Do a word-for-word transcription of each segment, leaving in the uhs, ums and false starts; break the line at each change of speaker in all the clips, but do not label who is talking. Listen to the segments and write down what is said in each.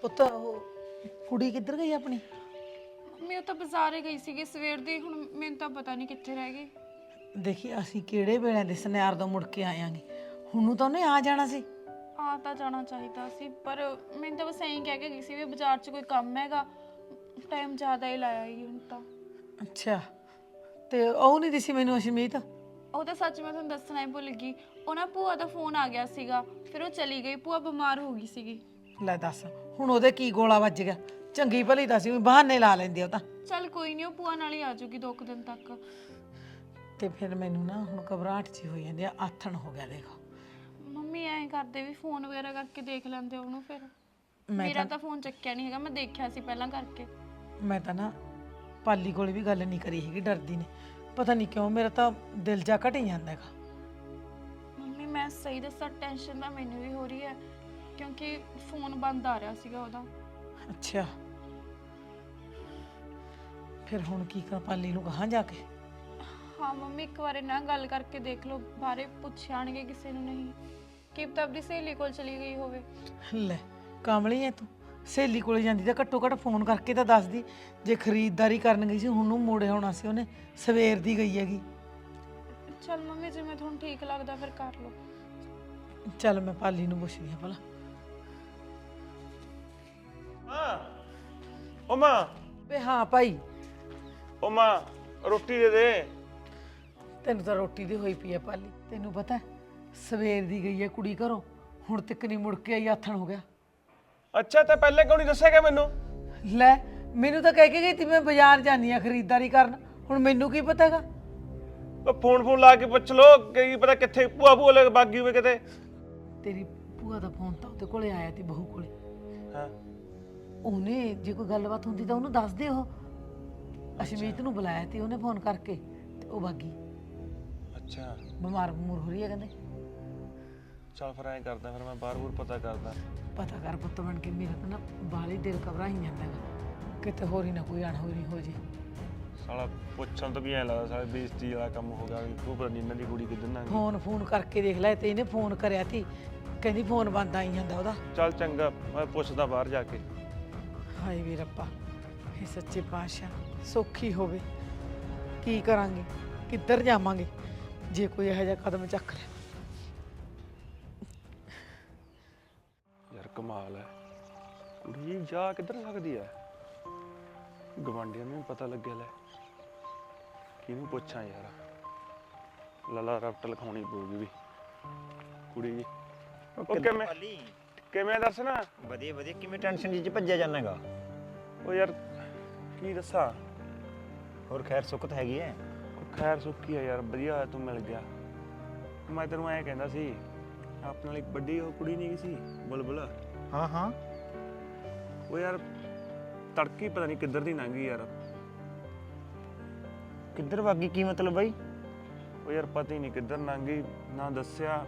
ਪੁੱਤ ਉਹ ਕੁੜੀ ਕਿੱਧਰ ਗਈ ਆਪਣੀ?
ਮੈਂ ਤਾਂ ਬਾਜ਼ਾਰੇ ਗਈ ਸੀਗੀ ਸਵੇਰ ਦੀ, ਹੁਣ ਮੈਨੂੰ ਤਾਂ ਪਤਾ ਨਹੀਂ ਕਿੱਥੇ ਰਹਿ ਗਈ।
ਦੇਖੀ ਅਸੀਂ ਕਿਹੜੇ ਵੇਲੇ ਦੇ ਸੁਨਿਆਰ ਤੋਂ ਮੁੜ ਕੇ ਆਇਆਂਗੇ, ਹੁਣ ਨੂੰ ਤਾਂ ਉਹਨੇ ਆ ਜਾਣਾ ਸੀ।
ਆ ਤਾਂ ਜਾਣਾ ਚਾਹੀਦਾ ਸੀ, ਪਰ ਮੈਨੂੰ ਤਾਂ ਬਸ ਐਂ ਕਹਿ ਕੇ ਗਈ ਸੀ ਵੀ ਬਾਜ਼ਾਰ 'ਚ ਕੋਈ ਕੰਮ ਹੈਗਾ, ਟਾਈਮ ਜ਼ਿਆਦਾ ਹੀ ਲਾਇਆ ਹੀ ਹੁਣ ਤਾਂ।
ਅੱਛਾ, ਤੇ ਉਹ ਨਹੀਂ ਦਿਸੀ ਮੈਨੂੰ ਅਸ਼ਮੀਤ?
ਉਹ ਤਾਂ ਸੱਚ ਮੈਂ ਤੁਹਾਨੂੰ ਦੱਸਣਾ ਹੀ ਭੁੱਲ ਗਈ, ਉਹ ਨਾ ਭੂਆ ਦਾ ਫੋਨ ਆ ਗਿਆ ਸੀਗਾ, ਫਿਰ ਉਹ ਚਲੀ ਗਈ। ਭੂਆ ਬਿਮਾਰ ਹੋ ਗਈ ਸੀਗੀ।
ਲੈ ਦੱਸ, ਹੁਣ ਉਹਦੇ ਕੀ ਗੋਲਾ ਵੱਜ ਗਿਆ? ਚੰਗੀ ਭਲੀ ਤਾਂ ਸੀ, ਬਹਾਨੇ ਲਾ ਲੈਂਦੇ ਉਹ ਤਾਂ।
ਚੱਲ ਕੋਈ ਨਹੀਂ, ਉਹ ਭੂਆ ਨਾਲ ਹੀ ਆ ਜਾਊਗੀ ਦੋ ਕੁ ਦਿਨ ਤੱਕ।
ਤੇ ਫਿਰ ਮੈਨੂੰ ਨਾ ਹੁਣ ਘਬਰਾਹਟ ਜੀ ਹੋਈ ਜਾਂਦੀ ਆ, ਆਥਣ ਹੋ ਗਿਆ ਦੇਖੋ।
ਮੰਮੀ ਐਂ ਕਰਦੇ ਵੀ ਫੋਨ ਵਗੈਰਾ ਕਰਕੇ ਦੇਖ ਲੈਂਦੇ ਉਹਨੂੰ। ਫਿਰ ਮੇਰਾ ਤਾਂ ਫੋਨ ਚੱਕਿਆ ਨਹੀਂ ਹੈਗਾ, ਮੈਂ ਦੇਖਿਆ ਸੀ ਪਹਿਲਾਂ ਕਰਕੇ।
ਮੈਂ ਤਾਂ ਨਾ ਪਾਲੀ ਕੋਲ ਵੀ ਗੱਲ ਨਹੀਂ ਕਰੀ ਹੈਗੀ, ਡਰਦੀ ਨੇ। ਪਤਾ ਨਹੀਂ ਕਿਉਂ ਮੇਰਾ ਤਾਂ ਦਿਲ ਜਾ ਘਟ ਹੀ ਜਾਂਦਾ ਹੈਗਾ।
ਮੰਮੀ ਮੈਂ ਸਹੀ ਦੱਸਾਂ, ਟੈਨਸ਼ਨ ਤਾਂ ਮੈਨੂੰ ਵੀ ਹੋ ਰਹੀ ਹੈ, ਕਿਉਂਕਿ ਫੋਨ ਬੰਦ ਆ ਰਿਹਾ ਸੀਗਾ ਉਹਦਾ।
ਅੱਛਾ, ਫਿਰ ਹੁਣ ਕੀ ਕਰਾਂ? ਪਾਲੀ ਨੂੰ ਕਹਾਂ ਜਾ ਕੇ?
ਹਾਂ ਮੰਮੀ, ਇੱਕ ਵਾਰ ਨਾ ਗੱਲ ਕਰਕੇ ਦੇਖ ਲਓ, ਬਾਰੇ ਪੁੱਛਾਣਗੇ ਕਿਸੇ ਨੂੰ। ਨਹੀਂ ਕੀ ਪਤਾ ਆਪਣੀ ਸਹੇਲੀ ਕੋਲ ਚਲੀ ਗਈ ਹੋਵੇ।
ਲੈ ਕਾਮਲੀ ਐ ਤੂੰ, ਸਹੇਲੀ ਕੋਲ ਜਾਂਦੀ ਤਾਂ ਘੱਟੋ ਘੱਟ ਫੋਨ ਕਰਕੇ ਤਾਂ ਦੱਸਦੀ। ਜੇ ਖਰੀਦਦਾਰੀ ਕਰਨ ਗਈ ਸੀ, ਹੁਣ ਨੂੰ ਮੋੜੇ ਹੋਣਾ ਸੀ ਉਹਨੇ, ਸਵੇਰ ਦੀ ਗਈ ਹੈਗੀ।
ਚੱਲ ਮੰਮੀ, ਜਿਵੇਂ ਤੁਹਾਨੂੰ ਠੀਕ ਲੱਗਦਾ ਫਿਰ ਕਰ ਲਓ।
ਚੱਲ ਮੈਂ ਪਾਲੀ ਨੂੰ ਪੁੱਛਦੀ ਆ ਭਲਾ।
ਹਾਂ ਓ ਮਾਂ,
ਵੇ ਹਾਂ ਭਾਈ,
ਓ ਮਾਂ ਰੋਟੀ ਦੇ ਦੇ।
ਤੈਨੂੰ ਤਾਂ ਰੋਟੀ ਦੀ ਹੋਈ ਪਈ ਆ ਪਾਲੀ। ਤੈਨੂੰ ਪਤਾ ਸਵੇਰ ਦੀ ਗਈ ਹੈ ਕੁੜੀ ਘਰੋਂ, ਹੁਣ ਤੱਕ ਨਹੀਂ ਮੁੜ ਕੇ ਆਈ, ਆਥਣ ਹੋ ਗਿਆ।
ਅੱਛਾ, ਤਾਂ ਪਹਿਲੇ ਕਿਉਂ ਨਹੀਂ ਦੱਸਿਆਗਾ ਮੈਨੂੰ?
ਲੈ ਮੈਨੂੰ ਤਾਂ ਕਹਿ ਕੇ ਗਈ ਤੀ ਮੈਂ ਬਾਜ਼ਾਰ ਜਾਨੀ ਆ ਖਰੀਦਦਾਰੀ ਕਰਨ, ਹੁਣ ਮੈਨੂੰ ਕੀ ਪਤਾ ਹੈਗਾ?
ਉਹ ਫੋਨ ਫੋਨ ਲਾ ਕੇ ਪੁੱਛ ਲੋ, ਕੀ ਪਤਾ ਕਿੱਥੇ ਭੂਆ ਭੂਆ ਲੈ ਬਾਗੀ ਹੋਵੇ ਕਿਤੇ।
ਤੇਰੀ ਭੂਆ ਦਾ ਫੋਨ ਤਾਂ ਉਹਦੇ ਕੋਲੇ ਆਇਆ ਤੀ, ਬਹੂ ਕੋਲੇ।
ਹਾਂ,
ਉਹਨੇ ਜੇ ਕੋਈ ਗੱਲਬਾਤ ਹੁੰਦੀ ਤਾਂ ਉਹਨੂੰ ਦੱਸ ਦੇ। ਉਹ ਅਸ਼ਮੀਤ ਨੂੰ ਬੁਲਾਇਆ ਤੇ ਉਹਨੇ ਫੋਨ ਕਰਕੇ, ਤੇ ਉਹ ਬਾਗੀ।
ਅੱਛਾ,
ਬਿਮਾਰ ਬਮੂਰ ਹੋ ਰਹੀ ਹੈ ਕਹਿੰਦੇ।
ਚੱਲ ਫਿਰ ਐਂ ਕਰਦਾ, ਫਿਰ ਮੈਂ ਬਾਹਰ ਬੂਰ ਪਤਾ ਕਰਦਾ।
ਪਤਾ ਕਰ ਪੁੱਤ ਬਣ ਕੇ, ਮੇਰਾ ਤਾਂ ਨਾ ਬਾਹਲੀ ਦਿਲ ਘਬਰਾਈ ਜਾਂਦਾ ਹੈਗਾ, ਕਿਤੇ ਹੋਰ ਹੀ ਨਾ ਕੋਈ ਅਣਹੋਣੀ ਹੋ ਜੇ।
ਸਾਲਾ ਪੁੱਛਣ ਤੋਂ ਵੀ ਐਂ ਲੱਗਦਾ ਸਾਲਾ ਬੇਇੱਜ਼ਤੀ ਵਾਲਾ ਕੰਮ ਹੋ ਗਿਆ ਵੀ ਤੂੰ ਪਤਾ ਨਹੀਂ ਇਹਨਾਂ ਦੀ ਕੁੜੀ ਕਿੱਧਰ ਨਾ ਗਈ।
ਫੋਨ ਫੋਨ ਕਰਕੇ ਦੇਖ ਲੈ, ਤੇ ਇਹਨੇ ਫੋਨ ਕਰਿਆ ਤੀ, ਕਹਿੰਦੀ ਫੋਨ ਬੰਦ ਆਈ ਜਾਂਦਾ ਉਹਦਾ।
ਚੱਲ ਚੰਗਾ, ਮੈਂ ਪੁੱਛਦਾ ਬਾਹਰ ਜਾ ਕੇ।
ਹਾਏ ਵੀ ਰੱਬਾ, ਇਹ ਸੱਚੇ ਪਾਤਸ਼ਾਹ ਸੌਖੀ ਹੋਵੇ। ਕੀ ਕਰਾਂਗੇ, ਕਿੱਧਰ ਜਾਵਾਂਗੇ ਜੇ ਕੋਈ ਇਹੋ ਜਿਹਾ ਕਦਮ ਚੱਕ ਲਿਆ।
ਯਾਰ ਕਮਾਲ ਹੈ, ਕੁੜੀ ਜਾ ਕਿੱਧਰ ਸਕਦੀ ਹੈ? ਗਵਾਂਢੀਆਂ ਨੂੰ ਪਤਾ ਲੱਗਿਆ। ਲੈ ਕਿਹਨੂੰ ਪੁੱਛਾਂ ਯਾਰ, ਲਾਲਾ ਰਫਟ ਲਿਖਾਉਣੀ ਪਊਗੀ ਵੀ ਕੁੜੀ ਜੀ। ਉਹ ਕਿਵੇਂ ਕਿਵੇਂ ਦੱਸ ਨਾ?
ਵਧੀਆ ਵਧੀਆ। ਕਿਵੇਂ ਟੈਨਸ਼ਨ ਜੀ ਚ ਭੱਜਿਆ ਜਾਣਾਗਾ?
ਉਹ ਯਾਰ ਕੀ ਦੱਸਾਂ,
ਹੋਰ ਖੈਰ ਸੁੱਖ ਤਾਂ ਹੈਗੀ ਐ?
ਖੈਰ ਸੁੱਖੀ ਆ ਯਾਰ, ਵਧੀਆ ਹੋਇਆ ਤੂੰ ਮਿਲ ਗਿਆ। ਮੈਂ ਤੈਨੂੰ ਐਂ ਕਹਿੰਦਾ ਸੀ, ਆਪਣੇ ਨਾਲ ਇੱਕ ਵੱਡੀ ਉਹ ਕੁੜੀ ਨਹੀਂ ਗਈ ਸੀ ਬੁਲਬੁਲ?
ਹਾਂ ਹਾਂ।
ਉਹ ਯਾਰ ਤੜਕੀ ਪਤਾ ਨਹੀਂ ਕਿੱਧਰ ਦੀ ਲੰਘ ਗਈ ਯਾਰ।
ਕਿੱਧਰ ਵਾਗੀ? ਕੀ ਮਤਲਬ ਬਾਈ?
ਉਹ ਯਾਰ ਪਤਾ ਹੀ ਨਹੀਂ ਕਿੱਧਰ ਲੰਘ ਗਈ, ਨਾ ਦੱਸਿਆ।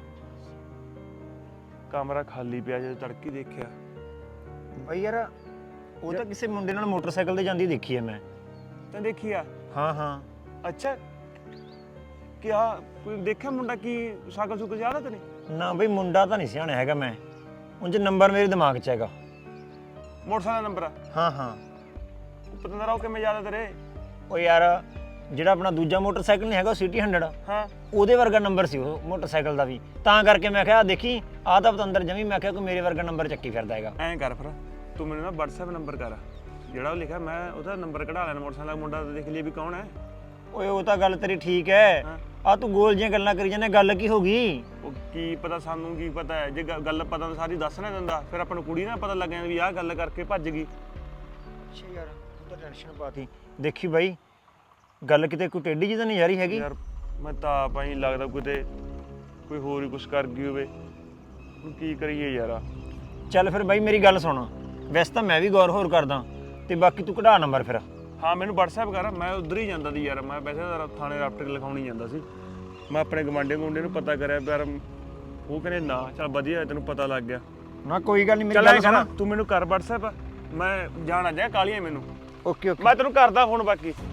ਕਮਰਾ ਖਾਲੀ ਪਿਆ, ਜਦੋਂ ਤੜਕੀ ਦੇਖਿਆ।
ਬਾਈ ਯਾਰ ਉਹ ਤਾਂ ਕਿਸੇ ਮੁੰਡੇ ਨਾਲ ਮੋਟਰਸਾਈਕਲ ਤੇ ਜਾਂਦੀ ਦੇਖੀ ਐ ਮੈਂ।
ਤੈਂ ਦੇਖੀ ਆ?
ਹਾਂ ਹਾਂ।
ਅੱਛਾ, ਕਿਆ ਕੋਈ ਦੇਖਿਆ ਮੁੰਡਾ? ਕੀ ਸ਼ਕਲ ਸ਼ੁਕਲ ਯਾਦ ਆ ਤੈਨੂੰ?
ਨਾ ਬਈ ਮੁੰਡਾ ਤਾਂ ਨਹੀਂ ਸਿਆਣਾ ਹੈਗਾ ਮੈਂ, ਉਂਝ ਨੰਬਰ ਮੇਰੇ ਦਿਮਾਗ 'ਚ ਹੈਗਾ।
ਮੋਟਰਸਾਈਕਲ ਦਾ ਨੰਬਰ ਆ?
ਹਾਂ ਹਾਂ।
ਪਤੰਦਰਾ ਉਹ ਕਿਵੇਂ ਯਾਦ ਆ ਤੇਰੇ?
ਉਹ ਯਾਰ ਜਿਹੜਾ ਆਪਣਾ ਦੂਜਾ ਮੋਟਰਸਾਈਕਲ ਨਹੀਂ ਹੈਗਾ ਉਹ ਸਿਟੀ ਹੰਡਰਡ,
ਹਾਂ
ਉਹਦੇ ਵਰਗਾ ਨੰਬਰ ਸੀ ਉਹ ਮੋਟਰਸਾਈਕਲ ਦਾ ਵੀ, ਤਾਂ ਕਰਕੇ ਮੈਂ ਕਿਹਾ ਦੇਖੀ ਆਹ ਤਾਂ ਪਤੰਦਰ ਜਮੀ, ਮੈਂ ਕਿਹਾ ਕੋਈ ਮੇਰੇ ਵਰਗਾ ਨੰਬਰ ਚੱਕੀ ਫਿਰਦਾ ਹੈਗਾ।
ਐਂ ਕਰ ਫਿਰ, ਤੂੰ ਮੈਨੂੰ ਨਾ ਵਟਸਐਪ ਨੰਬਰ ਕਰ, ਜਿਹੜਾ ਉਹ ਲਿਖਿਆ ਮੈਂ ਉਹਦਾ ਨੰਬਰ ਕਢਾ ਲੈਣਾ ਮੋਟਰਸਾਈਕਲ ਦਾ। ਮੁੰਡਾ ਦੇਖ ਲਈ ਵੀ ਕੌਣ ਹੈ।
ਓਏ ਉਹ ਤਾਂ ਗੱਲ ਤੇਰੀ ਠੀਕ ਹੈ, ਆ ਤੂੰ ਗੋਲ ਜਿਹੀਆਂ ਗੱਲਾਂ ਕਰੀ ਜਾਂਦਾ, ਗੱਲ ਕੀ ਹੋ ਗਈ?
ਉਹ ਕੀ ਪਤਾ, ਸਾਨੂੰ ਕੀ ਪਤਾ ਹੈ? ਜੇ ਗੱਲ ਪਤਾ ਤਾਂ ਸਾਰੀ ਦੱਸ ਨਾ ਦਿੰਦਾ, ਫਿਰ ਆਪਾਂ ਨੂੰ ਕੁੜੀ ਨਾ ਪਤਾ ਲੱਗ ਜਾਂਦਾ ਵੀ ਆਹ ਗੱਲ ਕਰਕੇ ਭੱਜ ਗਈ।
ਅੱਛਾ ਯਾਰ ਤੂੰ ਤਾਂ ਟੈਨਸ਼ਨ ਪਾਤੀ। ਦੇਖੀ ਬਾਈ ਗੱਲ ਕਿਤੇ ਕੋਈ ਟੇਢੀ ਜਿਹੀ ਤਾਂ ਨਹੀਂ ਜਾ ਰਹੀ ਹੈਗੀ?
ਯਾਰ ਮੈਂ ਤਾਂ ਆਪ ਹੀ ਲੱਗਦਾ ਕਿਤੇ ਕੋਈ ਹੋਰ ਹੀ ਕੁਛ ਕਰ ਗਈ ਹੋਵੇ। ਹੁਣ ਕੀ ਕਰੀਏ ਯਾਰ?
ਚੱਲ ਫਿਰ ਬਾਈ ਮੇਰੀ ਗੱਲ ਸੁਣ, ਵੈਸੇ ਤਾਂ ਮੈਂ ਵੀ ਗੌਰ ਹੋਰ ਕਰਦਾ, ਤੇ ਬਾਕੀ ਤੂੰ ਕਢਾ ਨੰਬਰ ਫਿਰ।
ਹਾਂ ਮੈਨੂੰ ਵਟਸਐਪ ਕਰ, ਮੈਂ ਉਧਰ ਹੀ ਜਾਂਦਾ ਸੀ ਯਾਰ। ਮੈਂ ਵੈਸੇ ਤਾਂ ਥਾਣੇ ਰਾਪਟਰ ਲਿਖਾਉਣੀ ਜਾਂਦਾ ਸੀ। ਮੈਂ ਆਪਣੇ ਗਵਾਂਢੀ ਗੁੰਡੇ ਨੂੰ ਪਤਾ ਕਰਿਆ ਯਾਰ, ਉਹ ਕਹਿੰਦੇ ਨਾ। ਚੱਲ ਵਧੀਆ ਤੈਨੂੰ ਪਤਾ ਲੱਗ ਗਿਆ
ਨਾ, ਕੋਈ ਗੱਲ ਨਹੀਂ। ਮੇਰੀ
ਚੱਲ
ਗੱਲ
ਐਂ
ਸੁਣ,
ਕਰ, ਤੂੰ ਮੈਨੂੰ ਕਰ ਵਟਸਐਪ, ਮੈਂ ਜਾਣਾ ਜਾ ਕਾਲੀਆਂ ਮੈਨੂੰ।
Okay okay.
ਮੈਂ ਤੈਨੂੰ ਕਰਦਾ ਫੋਨ। ਬਾਕੀ
ਇਹ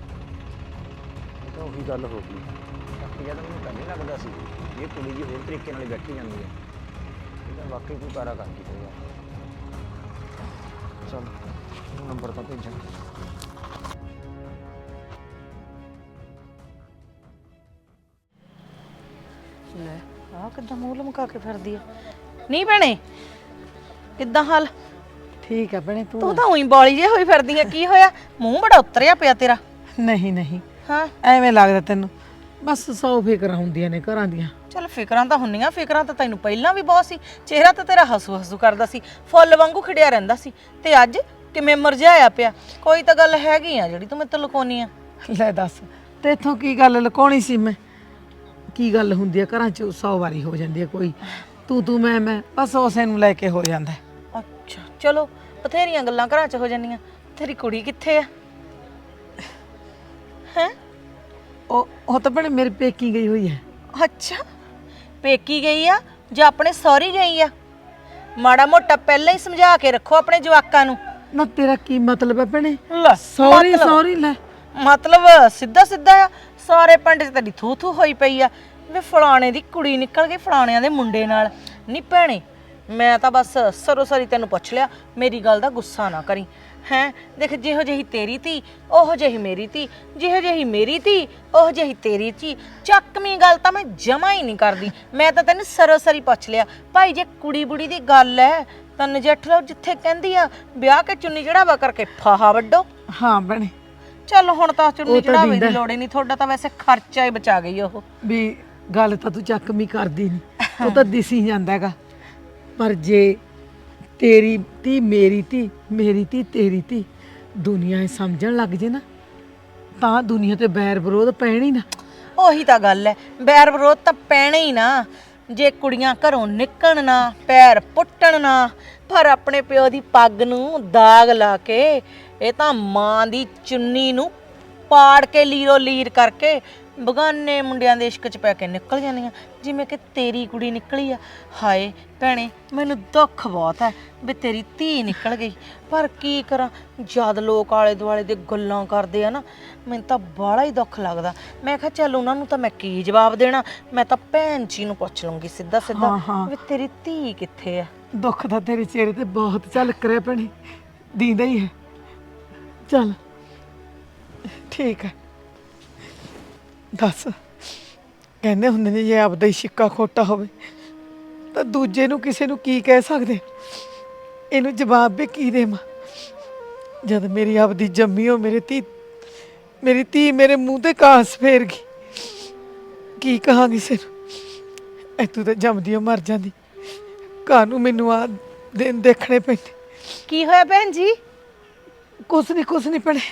ਤਾਂ ਉਹੀ ਗੱਲ ਹੋ ਗਈ, ਬਾਕੀ ਜਦ ਮੈਨੂੰ ਪਹਿਲੇ ਲੱਗਦਾ ਸੀ ਇਹ ਕੁੜੀ ਜੀ ਹੋਰ ਤਰੀਕੇ ਨਾਲ ਬੈਠੀ ਜਾਂਦੀ ਹੈ, ਇਹ ਤਾਂ ਵਾਕਈ ਕੋਈ ਕਾਰਾ ਕਰਦੀ ਹੋਊਗਾ। ਚੱਲ ਨੰਬਰ ਤਾਂ ਭੇਜਾਂ।
ਲੈ ਆਹ ਕਿੱਦਾਂ ਮੂੰਹ ਲਮਕਾ ਕੇ ਫਿਰਦੀ ਆ। ਨਹੀਂ ਭੈਣੇ ਕਿੱਦਾਂ ਹਾਲ? ਠੀਕ ਆ ਭੈਣੇ ਤੂੰ
ਤੂੰ ਤਾਂ ਉਹੀ ਬੋਲੀ ਜੇ ਹੋਈ ਫਿਰਦੀ ਆ, ਕੀ ਹੋਇਆ? ਮੂੰਹ ਬੜਾ ਉਤਰਿਆ ਪਿਆ ਤੇਰਾ।
ਨਹੀਂ ਨਹੀਂ
ਹਾਂ
ਐਵੇਂ ਲੱਗਦਾ ਤੈਨੂੰ ਬਸ ਸੌ ਫਿਕਰਾਂ ਹੁੰਦੀਆਂ ਨੇ ਘਰਾਂ ਦੀਆਂ।
ਚੱਲ ਫਿਕਰਾਂ ਤਾਂ ਹੁੰਨੀਆਂ, ਫਿਕਰਾਂ ਤਾਂ ਤੈਨੂੰ ਪਹਿਲਾਂ ਵੀ ਬਹੁਤ ਸੀ। ਚਿਹਰਾ ਤਾਂ ਤੇਰਾ ਹਸੂ ਹਸੂ ਕਰਦਾ ਸੀ, ਫੁੱਲ ਵਾਂਗੂ ਖਿੜਿਆ ਰਹਿੰਦਾ ਸੀ, ਤੇ ਅੱਜ ਕਿਵੇਂ ਮੁਰਝਾਇਆ ਪਿਆ। ਕੋਈ ਤਾਂ ਗੱਲ ਹੈਗੀ ਆ ਜਿਹੜੀ ਤੂੰ ਮੇਰੇ ਤੋਂ ਲੁਕਾਉਣੀ ਆ।
ਲੈ ਦੱਸ ਤੇਥੋਂ ਕੀ ਗੱਲ ਲੁਕਾਉਣੀ ਸੀ ਮੈਂ? ਕੀ ਗੱਲ ਹੁੰਦੀ ਆ ਘਰਾਂ 'ਚ ਸੌ ਵਾਰੀ ਹੋ ਜਾਂਦੀ ਆ, ਕੋਈ ਤੂੰ ਤੂੰ ਮੈਂ ਮੈਂ ਬਸ ਉਸੇ ਨੂੰ ਲੈ ਕੇ ਹੋ ਜਾਂਦਾ ਹੈ।
ਅੱਛਾ ਚਲੋ ਬਥੇਰੀਆਂ ਗੱਲਾਂ ਘਰਾਂ 'ਚ ਹੋ ਜਾਂਦੀਆਂ। ਤੇਰੀ ਕੁੜੀ ਕਿੱਥੇ ਆ? ਹੈ
ਉਹ ਉਹ ਤਾਂ ਭੈਣੇ ਮੇਰੀ ਪੇਕੀ ਗਈ ਹੋਈ ਹੈ।
ਅੱਛਾ ਪੇਕੀ ਗਈ ਆ ਜਾਂ ਆਪਣੇ ਸਹੁਰੀ ਗਈ ਆ? ਮਾੜਾ ਮੋਟਾ ਪਹਿਲਾਂ ਹੀ ਸਮਝਾ ਕੇ ਰੱਖੋ ਆਪਣੇ ਜਵਾਕਾਂ ਨੂੰ।
ਨਾ ਤੇਰਾ ਕੀ ਮਤਲਬ ਹੈ ਭੈਣੇ?
ਲੈ,
ਸੌਰੀ
ਮਤਲਬ-
ਸੌਰੀ ਲੈ
ਮਤਲਬ ਸਿੱਧਾ ਸਿੱਧਾ ਆ, ਸਾਰੇ ਪਿੰਡ 'ਚ ਤੇਰੀ ਥੂ ਥੂ ਹੋਈ ਪਈ ਆ ਵੀ ਫਲਾਣੇ ਦੀ ਕੁੜੀ ਨਿਕਲ ਗਈ ਫਲਾਣਿਆਂ ਦੇ ਮੁੰਡੇ ਨਾਲ। ਨਹੀਂ ਭੈਣੇ ਮੈਂ ਤਾਂ ਬਸ ਸਰੋਸਰੀ ਤੈਨੂੰ ਪੁੱਛ ਲਿਆ, ਮੇਰੀ ਗੱਲ ਦਾ ਗੁੱਸਾ ਨਾ ਕਰੀ। ਹੈਂ ਦੇਖ ਜਿਹੋ ਜਿਹੀ ਤੇਰੀ ਧੀ ਉਹੋ ਜਿਹੀ ਮੇਰੀ ਧੀ, ਜਿਹੋ ਜਿਹੀ ਮੇਰੀ ਧੀ ਉਹੋ ਜਿਹੀ ਤੇਰੀ ਧੀ। ਚੱਕਵੀਂ ਗੱਲ ਤਾਂ ਮੈਂ ਜਮਾ ਹੀ ਨਹੀਂ ਕਰਦੀ, ਮੈਂ ਤਾਂ ਤੈਨੂੰ ਸਰੋਸਰੀ ਪੁੱਛ ਲਿਆ। ਭਾਈ ਜੇ ਕੁੜੀ ਬੁੜੀ ਦੀ ਗੱਲ ਹੈ ਤਾਂ ਨਜਿੱਠ ਲਓ, ਜਿੱਥੇ ਕਹਿੰਦੀ ਆ ਵਿਆਹ ਕੇ ਚੁੰਨੀ ਚੜਾਵਾ ਕਰਕੇ ਫਾਹਾ ਵੱਡੋ।
ਹਾਂ ਭੈਣੇ
ਚੱਲ ਹੁਣ ਤਾਂ ਚੁੰਨੀ
ਉਹ ਤਾਂ
ਚੜਾਵੇ ਦੀ
ਦਿੰਦਾ।
ਲੋੜ ਹੀ ਨਹੀਂ, ਤੁਹਾਡਾ ਤਾਂ ਵੈਸੇ ਖਰਚਾ ਹੀ ਬਚਾ ਗਈ ਉਹ।
ਵੀ ਗੱਲ ਤਾਂ ਤੂੰ ਚੱਕਮੀ ਕਰਦੀ ਨਹੀਂ, ਉਹ ਤਾਂ ਦਿਸੀ ਜਾਂਦਾ ਹੈਗਾ। ਪਰ ਜੇ ਤੇਰੀ ਧੀ ਮੇਰੀ ਧੀ ਮੇਰੀ ਧੀ ਤੇਰੀ ਧੀ ਦੁਨੀਆ ਇਹ ਸਮਝਣ ਲੱਗ ਜੇ ਨਾ, ਤਾਂ ਦੁਨੀਆ ਤੇ ਬੈਰ ਵਿਰੋਧ ਪੈਣੀ ਨਾ।
ਉਹੀ ਤਾਂ ਗੱਲ ਹੈ, ਬੈਰ ਵਿਰੋਧ ਤਾਂ ਪੈਣਾ ਹੀ ਨਾ। ਜੇ ਕੁੜੀਆਂ ਘਰੋਂ ਨਿਕਲਣ ਨਾ, ਪੈਰ ਪੁੱਟਣ ਨਾ, ਪਰ ਆਪਣੇ ਪਿਓ ਦੀ ਪੱਗ ਨੂੰ ਦਾਗ ਲਾ ਕੇ, ਇਹ ਤਾਂ ਮਾਂ ਦੀ ਚੁੰਨੀ ਨੂੰ ਪਾੜ ਕੇ ਲੀਰੋ ਲੀਰ ਕਰਕੇ ਬਗਾਨੇ ਮੁੰਡਿਆਂ ਦੇ ਇਸ਼ਕ 'ਚ ਪੈ ਕੇ ਨਿਕਲ ਜਾਂਦੀਆਂ, ਜਿਵੇਂ ਕਿ ਤੇਰੀ ਕੁੜੀ ਨਿਕਲੀ ਆ। ਹਾਏ ਭੈਣੇ ਮੈਨੂੰ ਦੁੱਖ ਬਹੁਤ ਹੈ ਵੀ ਤੇਰੀ ਧੀ ਨਿਕਲ ਗਈ, ਪਰ ਕੀ ਕਰਾਂ ਜਦ ਲੋਕ ਆਲੇ ਦੁਆਲੇ ਦੇ ਗੱਲਾਂ ਕਰਦੇ ਆ ਨਾ, ਮੈਨੂੰ ਤਾਂ ਬਾਹਲਾ ਹੀ ਦੁੱਖ ਲੱਗਦਾ। ਮੈਂ ਕਿਹਾ ਚੱਲ ਉਹਨਾਂ ਨੂੰ ਤਾਂ ਮੈਂ ਕੀ ਜਵਾਬ ਦੇਣਾ, ਮੈਂ ਤਾਂ ਭੈਣ ਜੀ ਨੂੰ ਪੁੱਛ ਲੂੰਗੀ ਸਿੱਧਾ ਸਿੱਧਾ
ਹਾਂ, ਹਾਂ।
ਵੀ ਤੇਰੀ ਧੀ ਕਿੱਥੇ ਆ।
ਦੁੱਖ ਤਾਂ ਤੇਰੇ ਚਿਹਰੇ ਤੇ ਬਹੁਤ ਝਲਕ ਰਿਹਾ ਭੈਣੇ, ਦੀਂਦਾ ਹੀ ਹੈ। ਚੱਲ ਠੀਕ ਹੈ, ਦੱਸ ਕਹਿੰਦੇ ਹੁੰਦੇ ਨੇ ਜੇ ਆਪਦਾ ਹੀ ਸਿੱਕਾ ਖੋਟਾ ਹੋਵੇ ਤਾਂ ਦੂਜੇ ਨੂੰ ਕਿਸੇ ਨੂੰ ਕੀ ਕਹਿ ਸਕਦੇ? ਇਹਨੂੰ ਜਵਾਬ ਵੀ ਕੀ ਦੇਵਾਂ ਜਦ ਮੇਰੀ ਆਪਦੀ ਜੰਮੀ ਹੋ ਮੇਰੇ ਧੀ ਮੇਰੀ ਧੀ ਮੇਰੇ ਮੂੰਹ ਤੇ ਕਾਸ ਫੇਰ ਗਈ। ਕੀ ਕਹਾਂ ਕਿਸੇ ਨੂੰ? ਇੱਥੋਂ ਤਾਂ ਜੰਮਦੀ ਓ ਮਰ ਜਾਂਦੀ, ਘਰ ਨੂੰ ਮੈਨੂੰ ਆ ਦਿਨ ਦੇਖਣੇ ਪੈਂਦੇ।
ਕੀ ਹੋਇਆ ਭੈਣ ਜੀ?
ਕੁਛ ਨਹੀਂ ਕੁਛ ਨਹੀਂ ਭੈਣੇ।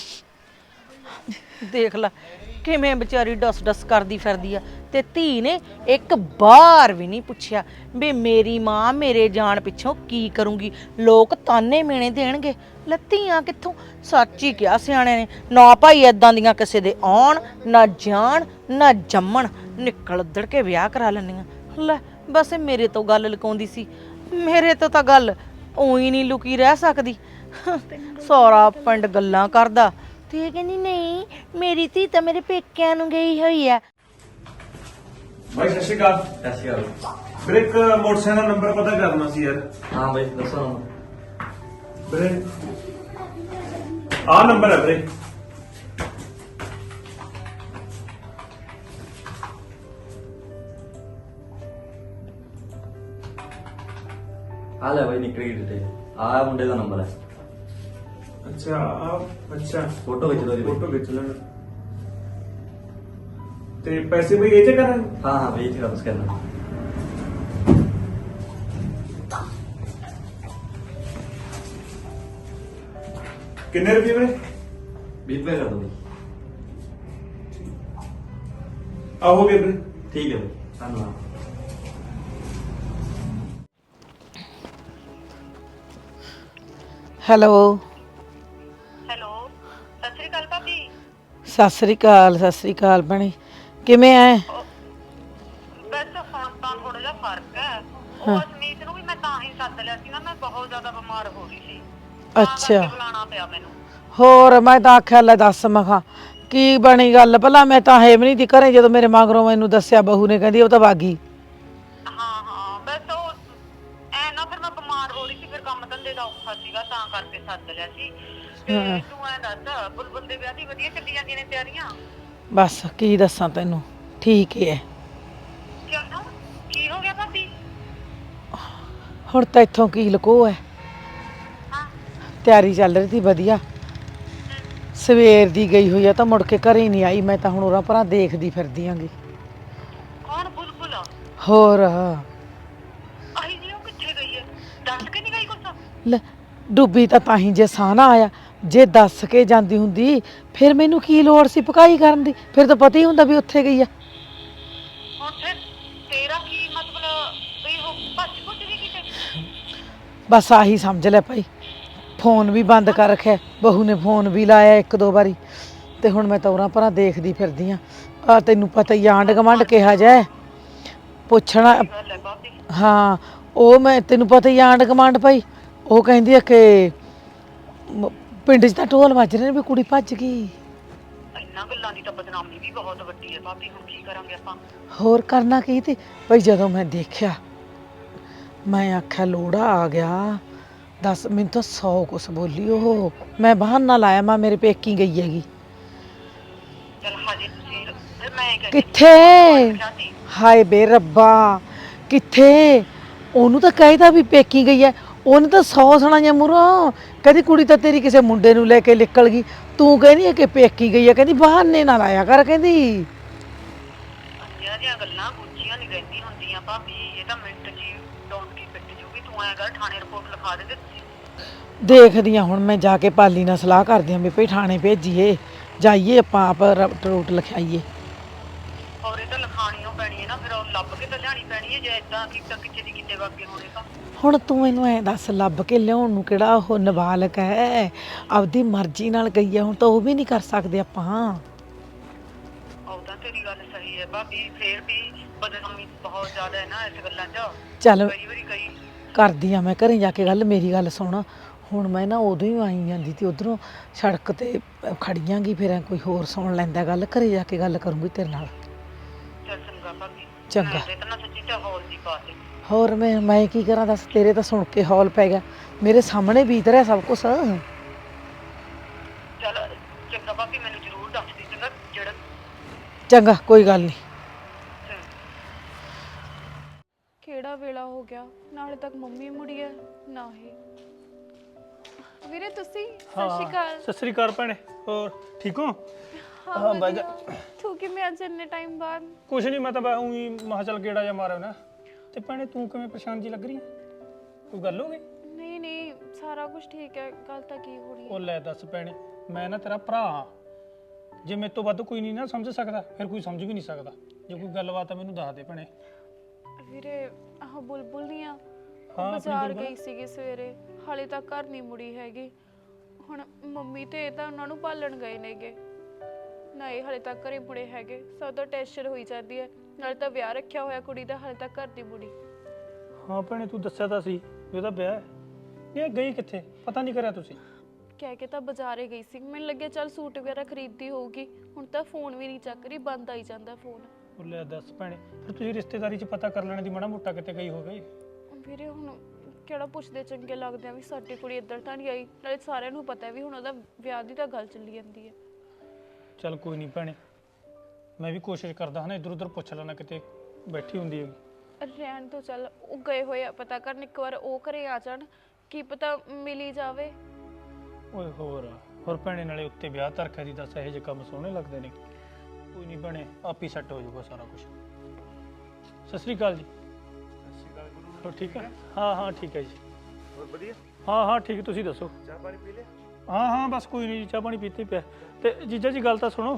ਦੇਖ ਲੈ ਕਿਵੇਂ ਵਿਚਾਰੀ ਡਸ ਡਸ ਕਰਦੀ ਫਿਰਦੀ ਆ, ਤੇ ਧੀ ਨੇ ਇੱਕ ਵਾਰ ਵੀ ਨਹੀਂ ਪੁੱਛਿਆ ਵੀ ਮੇਰੀ ਮਾਂ ਮੇਰੇ ਜਾਣ ਪਿੱਛੋਂ ਕੀ ਕਰੂੰਗੀ। ਲੋਕ ਤਾਨੇ ਮੇਣੇ ਦੇਣਗੇ, ਲੱਤੀਆਂ ਕਿੱਥੋਂ? ਸੱਚ ਹੀ ਕਿਹਾ ਸਿਆਣੇ ਨੇ, ਨਾ ਭਾਈ ਏਦਾਂ ਦੀਆਂ ਕਿਸੇ ਦੇ ਆਉਣ ਨਾ ਜਾਣ ਨਾ ਜੰਮਣ, ਨਿਕਲ ਉੱਧੜ ਕੇ ਵਿਆਹ ਕਰਾ ਲੈਂਦੀਆਂ। ਲੈ ਬਸ ਇਹ ਮੇਰੇ ਤੋਂ ਗੱਲ ਲੁਕਾਉਂਦੀ ਸੀ, ਮੇਰੇ ਤੋਂ ਤਾਂ ਗੱਲ ਉਹੀ ਨਹੀਂ ਲੁਕੀ ਰਹਿ ਸਕਦੀ। ਸਾਰਾ ਪਿੰਡ ਗੱਲਾਂ ਕਰਦਾ ਤੇ ਇਹ ਕਹਿੰਦੀ ਨਹੀਂ ਮੇਰੀ ਧੀ ਤਾਂ ਮੇਰੇ ਪੇਕਿਆਂ ਨੂੰ ਗਈ ਹੋਈ ਆ।
भाई सत श्रीकाल।
ਸਤਿ ਸ਼੍ਰੀ ਅਕਾਲ।
ਵੀਰੇ ਇੱਕ ਮੋਟਰਸਾਈਕਲ ਦਾ ਨੰਬਰ ਪਤਾ ਕਰਨਾ ਸੀ ਯਾਰ।
ਹਾਂ ਬਾਈ ਦੱਸੋ ਹੁਣ।
ਵੀਰੇ ਆਹ ਨੰਬਰ ਹੈ ਵੀਰੇ।
ਆ ਲੈ ਬਾਈ ਨਿਕਲ ਗਈ ਡਿਟੇਲ। ਆਹ ਮੁੰਡੇ ਦਾ ਨੰਬਰ ਹੈ।
ਅੱਛਾ ਆ ਅੱਛਾ
ਫੋਟੋ ਖਿੱਚ ਲਓ ਜੀ ਬਾਈ।
ਫੋਟੋ ਖਿੱਚ ਲੈਣਾ ਤੇ ਪੈਸੇ ਬਈ ਇਹ ਚ ਕਰਾਂ।
ਹਾਂ ਹਾਂ ਬਾਈ ਇੱਥੇ ਵਾਪਸ ਕਰਨਾ।
ਕਿੰਨੇ ਰੁਪਏ ਵੀਰੇ?
ਵੀਹ ਰੁਪਏ ਕਰ ਦੋ ਬਾਈ।
ਆ ਹੋ ਗਏ ਵੀਰੇ।
ਠੀਕ ਹੈ ਬਾਈ ਧੰਨਵਾਦ।
ਹੈਲੋ
ਹੈਲੋ ਸਤਿ ਸ਼੍ਰੀ ਅਕਾਲ ਭਾਬੀ।
ਸਤਿ ਸ੍ਰੀ ਅਕਾਲ ਸਤਿ ਸ੍ਰੀ ਅਕਾਲ ਭੈਣੇ, ਕਿਵੇਂ ਐ?
ਬਸ ਹੁਣ ਤਾਂ ਥੋੜਾ ਜਿਹਾ ਫਰਕ ਹੈ। ਉਹ ਅਸਮੀਤ ਨੂੰ ਵੀ ਮੈਂ ਤਾਂ ਹੀ ਸੱਦ ਲਿਆ ਸੀ ਨਾ, ਮੈਂ ਬਹੁਤ ਜ਼ਿਆਦਾ ਬਿਮਾਰ ਹੋ ਰਹੀ ਸੀ। ਤਾਂ
ਅੱਛਾ।
ਕਰਕੇ ਬੁਲਾਉਣਾ ਪਿਆ ਮੈਨੂੰ।
ਹੋਰ ਮੈਂ ਤਾਂ ਆਖਿਆ ਲੈ ਦੱਸ ਮਖਾ ਕੀ ਬਣੀ ਗੱਲ ਭਲਾ? ਮੈਂ ਤਾਂ ਹੈ ਵੀ ਨਹੀਂ ਤੀ ਘਰੇ ਜਦੋਂ ਮੇਰੇ ਮਗਰੋਂ ਮੈਨੂੰ ਦੱਸਿਆ ਬਹੂ ਨੇ, ਕਹਿੰਦੀ ਉਹ ਤਾਂ ਬਾਗੀ।
ਹਾਂ ਹਾਂ ਬਸ ਉਹ ਐ ਨਾ ਫਿਰ ਮੈਂ ਬਿਮਾਰ ਹੋ ਰਹੀ ਸੀ, ਫਿਰ ਕੰਮ ਧੰਦੇ ਦਾ ਔਖਾ ਸੀਗਾ ਤਾਂ ਕਰਕੇ ਸੱਦ ਲਿਆ ਸੀ ਤੇ ਤੂੰ ਐਂ ਦੱਸ ਬੁਲਬੁਲ ਦੇ ਵਿਆਹ ਦੀ ਵਧੀਆ ਚੱਲੀ ਜਾਂਦੀਆਂ ਨੇ ਤਿਆਰੀਆਂ?
ਬਸ ਕੀ ਦੱਸਾਂ ਤੈਨੂੰ, ਠੀਕ ਹੀ ਹੈ।
ਕਿਉਂ ਕੀ ਹੋ ਗਿਆ ਭਾਬੀ?
ਹੁਣ ਤਾਂ ਇੱਥੋਂ ਕੀ ਲੁਕੋ ਹੈ,
ਹਾਂ
ਤਿਆਰੀ ਚੱਲ ਰਹੀ ਸੀ ਵਧੀਆ। ਸਵੇਰ ਦੀ ਗਈ ਹੋਈ ਆ ਤਾਂ ਮੁੜ ਕੇ ਘਰੇ ਨਹੀਂ ਆਈ। ਮੈਂ ਤਾਂ ਹੁਣ ਉਰਾਂ ਪਰਾਂ ਦੇਖਦੀ ਫਿਰਦੀ ਆਂਗੀ।
ਕੌਣ ਬੁਲਬੁਲ?
ਹੋਰ
ਆਹੀ ਜੀ ਉਹ ਕਿੱਥੇ ਗਈ ਹੈ? ਦੱਸ ਕੇ ਨਹੀਂ ਗਈ ਕੁਛ?
ਲੈ ਡੁੱਬੀ ਤਾਂ ਤਾਂ ਹੀ ਜੇ ਸਾਹ ਨਾ ਆਇਆ। ਜੇ ਦੱਸ ਕੇ ਜਾਂਦੀ ਹੁੰਦੀ ਫਿਰ ਮੈਨੂੰ ਕੀ ਲੋੜ ਸੀ ਭਕਾਈ ਕਰਨ ਦੀ, ਫਿਰ ਤਾਂ ਪਤਾ ਹੀ ਹੁੰਦਾ ਵੀ ਉੱਥੇ ਗਈ ਆ।
ਹੁਣ ਫਿਰ ਤੇਰਾ ਕੀ ਮਤਲਬ ਵੀ ਉਹ ਭੱਜ ਭੁੱਜ ਗਈ ਕਿਤੇ?
ਬਸ ਆਹੀ ਸਮਝ ਲੈ ਭਾਈ। ਫੋਨ ਵੀ ਬੰਦ ਕਰ ਰੱਖਿਆ, ਬਹੂ ਨੇ ਫੋਨ ਵੀ ਲਾਇਆ ਇੱਕ ਦੋ ਵਾਰੀ, ਤੇ ਹੁਣ ਮੈਂ ਤਾਂ ਉਰਾਂ ਪਰਾਂ ਦੇਖਦੀ ਫਿਰਦੀ ਆ। ਆ ਤੈਨੂੰ ਪਤਾ ਹੀ ਆਂਢ ਗੁਆਂਢ ਕਿਹਾ ਜਾਏ ਪੁੱਛਣਾ।
ਗੱਲ ਹੈ ਭਾਬੀ।
ਹਾਂ ਉਹ ਮੈਂ ਤੈਨੂੰ ਪਤਾ ਹੀ ਆਂਢ ਗੁਆਂਢ ਭਾਈ, ਉਹ ਕਹਿੰਦੀ ਆ ਕਿ ਮ- ਪਿੰਡ 'ਚ ਤਾਂ ਢੋਲ ਵੱਜ ਰਹੇ ਨੇ ਵੀ ਕੁੜੀ ਭੱਜ ਗਈ।
ਇੰਨਾ ਗੱਲਾਂ ਦੀ ਤਾਂ ਬਦਨਾਮੀ ਵੀ ਬਹੁਤ ਵੱਡੀ ਹੈ ਭਾਬੀ, ਹੁਣ ਕੀ ਕਰਾਂਗੇ ਆਪਾਂ?
ਹੋਰ ਕਰਨਾ ਕੀ ਤੇ ਭਾਈ। ਜਦੋਂ ਮੈਂ ਦੇਖਿਆ ਮੈਂ ਆਖਿਆ ਲੋੜਾ ਆ ਗਿਆ। ਦੱਸ ਮੈਨੂੰ ਤਾਂ ਸੌ ਕੁਛ ਬੋਲੀ ਉਹ। ਮੈਂ ਬਹਾਨਾ ਲਾਇਆ ਮੈਂ ਮੇਰੇ ਪੇਕੀ ਗਈ ਹੈਗੀ।
ਚਲ ਹਜੇ ਤੁਸੀਂ ਫਿਰ ਮੈਂ ਕਹਿੰਦੀ
ਕਿੱਥੇ? ਹਾਏ ਬੇ ਰੱਬਾ ਕਿੱਥੇ? ਉਹਨੂੰ ਤਾਂ ਕਹਿਦਾ ਵੀ ਪੇਕੀ ਗਈ ਹੈ, ਉਹਨੇ ਤਾਂ ਸੌ ਸੁਣਾਈਆਂ ਮੂਹਰੋਂ। ਕਹਿੰਦੀ ਕੁੜੀ ਤਾਂ ਤੇਰੀ ਕਿਸੇ ਮੁੰਡੇ ਨੂੰ ਲੈ ਕੇ ਨਿਕਲ ਗਈ, ਤੂੰ ਕਹਿੰਦੀ ਹੈ ਕਿ ਪੇਕੀ ਗਈ ਹੈ। ਕਹਿੰਦੀ ਬਹਾਨੇ ਨਾ ਲਾਇਆ ਕਰ ਕਹਿੰਦੀ।
ਅੰਨਿਆਂ ਦੀਆਂ ਗੱਲਾਂ ਗੁੱਚੀਆਂ ਨਹੀਂ ਰਹਿੰਦੀ ਹੁੰਦੀਆਂ ਭਾਬੀ, ਇਹ ਤਾਂ ਮਿੰਟ 'ਚ ਹੀ ਡੌਂਕੀ ਪਿੱਟ ਜੂਗੀ। ਤੂੰ ਐਂ ਕਰ ਥਾਣੇ ਰਿਪੋਰਟ ਲਿਖਾ ਦੇ ਤੇ
ਦੇਖਦੀ ਹਾਂ ਹੁਣ ਮੈਂ ਜਾ ਕੇ ਪਾਲੀ ਨਾਲ ਸਲਾਹ ਕਰਦੀ ਹਾਂ ਵੀ ਭਈ ਥਾਣੇ ਭੇਜੀਏ, ਜਾਈਏ ਆਪਾਂ ਆਪ ਰਟ ਰੂਟ ਲਿਖਾਈਏ।
ਔਰ ਇਹ ਤਾਂ ਲਿਖਾਣੀ ਓ ਪੈਣੀ ਹੈ ਨਾ, ਫਿਰ ਉਹ ਲੱਭ ਕੇ ਤਾਂ ਲਿਆਣੀ ਪੈਣੀ ਹੈ। ਜੇ ਇਦਾਂ ਕੀਤਾ ਕਿਤੇ ਦੀ ਕਿਤੇ ਵਾਗੇ ਹੋਣੇ ਤਾਂ
ਹੁਣ ਤੂੰ ਮੈਨੂੰ ਐਂ ਦੱਸ, ਲੱਭ ਕੇ ਲਿਆਉਣ ਨੂੰ ਕਿਹੜਾ ਉਹ ਨਾਬਾਲਗ ਹੈ? ਆਪਦੀ ਮਰਜ਼ੀ ਨਾਲ ਗਈ ਹੈ, ਹੁਣ ਤਾਂ ਉਹ ਵੀ ਨਹੀਂ ਕਰ ਸਕਦੇ ਆਪਾਂ।
ਉਹ ਤਾਂ ਤੇਰੀ ਗੱਲ ਸਹੀ ਹੈ ਭਾਬੀ, ਫੇਰ ਵੀ ਬਦਨਾਮੀ ਬਹੁਤ ਜ਼ਿਆਦਾ ਹੈ ਨਾ ਇਸ ਗੱਲਾਂ 'ਚ।
ਚੱਲ
ਕਈ ਵਾਰੀ ਕਈ
ਕਰਦੀ ਆ ਮੈਂ ਘਰੇ ਜਾ ਕੇ ਗੱਲ। ਮੇਰੀ ਗੱਲ ਸੁਣ, ਹੁਣ ਮੈਂ ਨਾ ਉਦੋਂ ਹੀ ਆਈ ਜਾਂਦੀ ਤੀ ਉਧਰੋਂ ਸੜਕ ਤੇ ਖੜੀਆਂਗੀ, ਫਿਰ ਐਂ ਕੋਈ ਹੋਰ ਸੁਣ ਲੈਂਦਾ ਗੱਲ। ਘਰੇ ਜਾ ਕੇ ਗੱਲ ਕਰੂੰਗੀ ਤੇਰੇ ਨਾਲ।
ਚੱਲ ਚੰਗਾ ਭਾਬੀ।
ਚੰਗਾ।
ਮੈਂ ਤਾਂ ਨਾ ਸੱਚੀ ਤੇ ਹੌਲ ਦੀ ਪਾ ਦੇ।
ਹੋਰ ਮੈਂ ਮੈਂ ਕੀ ਕਰਾਂ ਦੱਸ, ਤੇਰੇ ਤਾਂ ਸੁਣ ਕੇ ਹੌਲ ਪੈ ਗਿਆ, ਮੇਰੇ ਸਾਹਮਣੇ ਬੀਤ ਰਿਹਾ ਸਭ ਕੁਛ।
ਚੱਲ ਚੰਗਾ ਭਾਬੀ, ਮੈਨੂੰ ਜ਼ਰੂਰ ਦੱਸ ਦੀ ਚੰਗਾ ਜਿਹੜਾ
ਚੰਗਾ ਕੋਈ ਗੱਲ ਨਹੀਂ।
ਕਿਹੜਾ ਵੇਲਾ ਹੋ ਗਿਆ, ਨਾਲੇ ਤੱਕ ਮੰਮੀ ਮੁੜੀ ਹੈ ਨਾ ਹੀ। ਵੀਰੇ ਤੁਸੀਂ? ਸਤਿ ਸ਼੍ਰੀ ਅਕਾਲ।
ਸਤਿ ਸ੍ਰੀ ਅਕਾਲ ਭੈਣੇ, ਹੋਰ ਠੀਕ ਹੋ?
ਹਾਂ ਬਹਿ ਜਾ। ਤੂੰ ਕਿਵੇਂ ਅੱਜ ਇੰਨੇ ਟਾਈਮ ਬਾਅਦ?
ਕੁਛ ਨਹੀਂ, ਮੈਂ ਤਾਂ ਬਸ ਊਂ ਹੀ ਮਹਾ ਚੱਲ ਗੇੜਾ ਜਾ ਮਾਰਿਆ ਨਾ। ਤੇ ਭੈਣੇ ਤੂੰ ਕਿਵੇਂ ਪਰੇਸ਼ਾਨ ਜੀ ਲੱਗ ਰਹੀ ਹੈ? ਕੋਈ ਗੱਲ ਹੋ ਗਈ?
ਨਹੀਂ ਨਹੀਂ ਸਾਰਾ ਕੁਝ ਠੀਕ ਹੈ। ਗੱਲ ਤਾਂ ਕੀ ਹੋ ਰਹੀ
ਉਹ
ਹੈ?
ਲੈ ਦੱਸ ਭੈਣੇ, ਮੈਂ ਨਾ ਤੇਰਾ ਭਰਾ ਹਾਂ। ਜੇ ਮੇਰੇ ਤੋਂ ਵੱਧ ਕੋਈ ਨਹੀਂ ਨਾ ਸਮਝ ਸਕਦਾ, ਫਿਰ ਕੋਈ ਸਮਝ ਵੀ ਨਹੀਂ ਸਕਦਾ। ਜੇ ਕੋਈ ਗੱਲਬਾਤ ਆ ਮੈਨੂੰ ਦੱਸ ਦੇ ਭੈਣੇ।
ਵੀਰੇ ਆਹ ਬੁਲਬੁਲ ਨਹੀਂ ਆ,
ਹਾਂ,
ਬਾਜ਼ਾਰ
ਬੁਲਬੁਲ।
ਗਈ ਸੀਗੀ ਸਵੇਰੇ, ਹਾਲੇ ਤੱਕ ਘਰ ਨਹੀਂ ਮੁੜੀ ਹੈਗੀ। ਹੁਣ ਮੰਮੀ ਤੇ ਇਹ ਤਾਂ ਉਹਨਾਂ ਨੂੰ ਭਾਲਣ ਗਏ ਨੇਗੇ, ਨਾ ਇਹ ਹਾਲੇ ਤੱਕ ਘਰੇ ਮੁੜੇ ਹੈਗੇ। ਸਭ ਤੋਂ ਟੈਨਸ਼ਨ ਹੋਈ ਜਾਂਦੀ ਹੈ, ਨਾਲੇ ਤਾਂ ਵਿਆਹ ਰੱਖਿਆ ਹੋਇਆ ਕੁੜੀ ਦਾ, ਹਾਲੇ ਤੱਕ ਘਰ ਦੀ ਮੁੜੀ।
ਹਾਂ ਭੈਣੇ ਤੂੰ ਦੱਸਿਆ ਤਾਂ ਸੀ ਵੀ ਉਹਦਾ ਵਿਆਹ ਹੈ। ਇਹ ਗਈ ਕਿੱਥੇ, ਪਤਾ ਨਹੀਂ ਕਰਿਆ ਤੁਸੀਂ?
ਕਹਿ ਕੇ ਤਾਂ ਬਾਜ਼ਾਰੇ ਗਈ ਸੀ, ਮੈਨੂੰ ਲੱਗਿਆ ਚੱਲ ਸੂਟ ਵਗੈਰਾ ਖਰੀਦਦੀ ਹੋਊਗੀ। ਹੁਣ ਤਾਂ ਫੋਨ ਵੀ ਨਹੀਂ ਚੱਕ ਰਹੀ, ਬੰਦ ਆਈ ਜਾਂਦਾ ਫੋਨ।
ਉਹ ਲੈ ਦੱਸ ਭੈਣੇ, ਫਿਰ ਤੁਸੀਂ ਰਿਸ਼ਤੇਦਾਰੀ 'ਚ ਪਤਾ ਕਰ ਲੈਣ ਦੀ ਮਾੜਾ ਮੋਟਾ ਕਿਤੇ ਗਈ ਹੋਵੇ।
ਵੀਰੇ ਹੁਣ ਕਿਹੜਾ ਪੁੱਛਦੇ ਚੰਗੇ ਲੱਗਦੇ ਆ ਵੀ ਸਾਡੀ ਕੁੜੀ ਇੱਧਰ ਤਾਂ ਨਹੀਂ ਆਈ। ਨਾਲੇ ਸਾਰਿਆਂ ਨੂੰ ਪਤਾ ਵੀ ਹੁਣ ਉਹਦਾ ਵਿਆਹ ਦੀ ਤਾਂ ਗੱਲ ਚੱਲੀ ਜਾਂਦੀ ਹੈ।
ਚੱਲ ਕੋਈ ਨਹੀਂ ਭੈਣੇ, ਮੈਂ ਵੀ ਕੋਸ਼ਿਸ਼ ਕਰਦਾ ਹਾਂ ਨਾ ਇੱਧਰ ਉੱਧਰ ਪੁੱਛ ਲੈਣਾ, ਕਿਤੇ ਬੈਠੀ ਹੁੰਦੀ ਹੈ।
ਰਹਿਣ ਤੋਂ ਚੱਲ, ਉਹ ਗਏ ਹੋਏ ਆ ਪਤਾ ਕਰਨ, ਇੱਕ ਵਾਰ ਉਹ ਘਰੇ ਆ ਜਾਣ, ਕੀ ਪਤਾ ਮਿਲੀ ਜਾਵੇ।
ਓਏ ਹੋਰ ਹੋਰ ਭੈਣੇ, ਨਾਲੇ ਉੱਤੇ ਵਿਆਹ ਧਰਖਿਆ ਦੀ ਦੱਸ, ਇਹੋ ਜਿਹੇ ਕੰਮ ਸੋਹਣੇ ਲੱਗਦੇ ਨੇ। ਕੋਈ ਨਹੀਂ ਭੈਣੇ, ਆਪ ਹੀ ਸੈੱਟ ਹੋ ਜਾਊਗਾ ਸਾਰਾ ਕੁਝ। ਸਤਿ ਸ੍ਰੀ ਅਕਾਲ ਜੀ।
ਸਤਿ ਸ਼੍ਰੀ ਅਕਾਲ ਗੁਰੂ।
ਹੋਰ ਠੀਕ ਹੈ? ਹਾਂ ਹਾਂ ਠੀਕ ਹੈ ਜੀ।
ਹੋਰ ਵਧੀਆ?
ਹਾਂ ਹਾਂ ਠੀਕ, ਤੁਸੀਂ ਦੱਸੋ?
ਚਾਹ ਪਾਣੀ ਪੀ ਲਿਆ?
ਹਾਂ ਹਾਂ ਬਸ ਕੋਈ ਨਹੀਂ ਜੀ, ਚਾਹ ਪਾਣੀ ਪੀਤੀ ਪਿਆ। ਤੇ ਜੀਜਾ ਜੀ ਗੱਲ ਤਾਂ ਸੁਣੋ।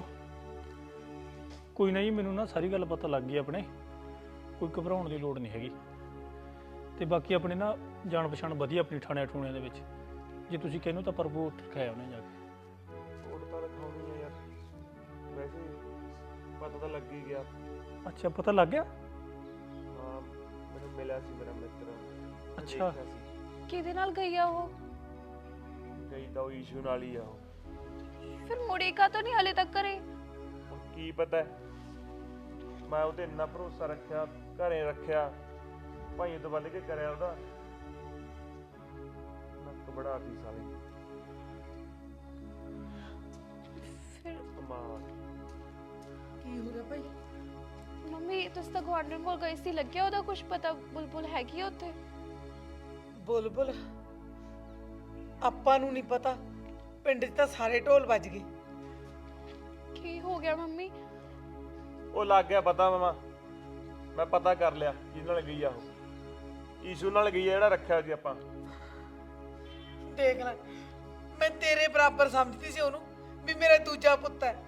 ਕੋਈ ਨਾ ਜੀ, ਮੈਨੂੰ ਨਾ ਸਾਰੀ ਗੱਲ ਪਤਾ ਲੱਗ ਗਈ ਆਪਣੇ, ਕੋਈ ਘਬਰਾਉਣ ਦੀ ਲੋੜ ਨਹੀਂ ਹੈਗੀ। ਤੇ ਬਾਕੀ ਆਪਣੇ ਨਾ ਜਾਣ ਪਛਾਣ ਵਧੀਆ ਆਪਣੀ ਥਾਣਿਆਂ ਠੂਣਿਆਂ ਦੇ ਵਿੱਚ। ਜੇ ਤੁਸੀਂ ਕਹਿੰਦੇ ਹੋ ਤਾਂ ਪਰ ਵੋਟ ਖਾਇਆ ਉਹਨੇ ਜਾ ਕੇ।
ਵੋਟ ਤਾਂ ਲਿਖਾਉਣੀ ਹੈ ਯਾਰ, ਵੈਸੇ ਪਤਾ ਤਾਂ ਲੱਗ ਹੀ ਗਿਆ।
ਅੱਛਾ ਪਤਾ ਲੱਗ ਗਿਆ?
ਹਾਂ ਮੈਨੂੰ ਮਿਲਿਆ ਸੀ ਮੇਰਾ ਮਿੱਤਰ। ਮੈਂ
ਅੱਛਾ।
ਦੇਖਿਆ ਸੀ।
ਕਿਹਦੇ ਨਾਲ ਗਈ ਆ ਉਹ?
ਗਈ ਤਾਂ ਉਹ ਈਸ਼ੂ ਨਾਲ ਹੀ ਆ ਉਹ।
ਫਿਰ ਮੁੜੀ ਕਾ ਤਾਂ ਨਹੀਂ ਹਾਲੇ ਤੱਕ ਘਰੇ?
ਹੁਣ ਕੀ ਪਤਾ ਹੈ, ਮੈਂ ਉਹਤੇ ਇੰਨਾ ਭਰੋਸਾ ਰੱਖਿਆ, ਘਰੇ ਰੱਖਿਆ, ਭਾਈ ਤੋਂ ਬੰਦ ਕੇ ਕਰਿਆ ਉਹਦਾ, ਨੱਕ ਬੜਾਤੀ ਸਾਲੀ। ਕਮਾਲ।
ਕੀ ਹੋ ਗਿਆ ਭਾਈ?
ਮੰਮੀ ਤੁਸੀਂ ਤਾਂ ਗੁਆਂਢਣ ਕੋਲ ਗਏ ਸੀ, ਲੱਗਿਆ ਉਹਦਾ ਕੁਝ ਪਤਾ? ਬੁਲਬੁਲ ਹੈਗੀ ਆ ਉੱਥੇ?
ਬੁਲਬੁਲ ਆਪਾਂ ਨੂੰ ਨਹੀਂ ਪਤਾ, ਪਿੰਡ 'ਚ ਤਾਂ ਸਾਰੇ ਢੋਲ ਵੱਜ ਗਏ।
ਕੀ ਹੋ ਗਿਆ ਮੰਮੀ?
ਉਹ ਲੱਗ ਗਿਆ ਪਤਾ ਮਾਮਾ, ਮੈਂ ਪਤਾ ਕਰ ਲਿਆ ਜਿਹਦੇ ਨਾਲ ਗਈ ਆ ਉਹ। ਈਸ਼ੂ ਨਾਲ ਗਈ ਆ ਜਿਹੜਾ ਰੱਖਿਆ ਸੀ ਆਪਾਂ।
ਦੇਖ ਲੈ, ਮੈਂ ਤੇਰੇ ਬਰਾਬਰ ਸਮਝਦੀ ਸੀ ਉਹਨੂੰ ਵੀ ਮੇਰਾ ਦੂਜਾ ਪੁੱਤ ਹੈ।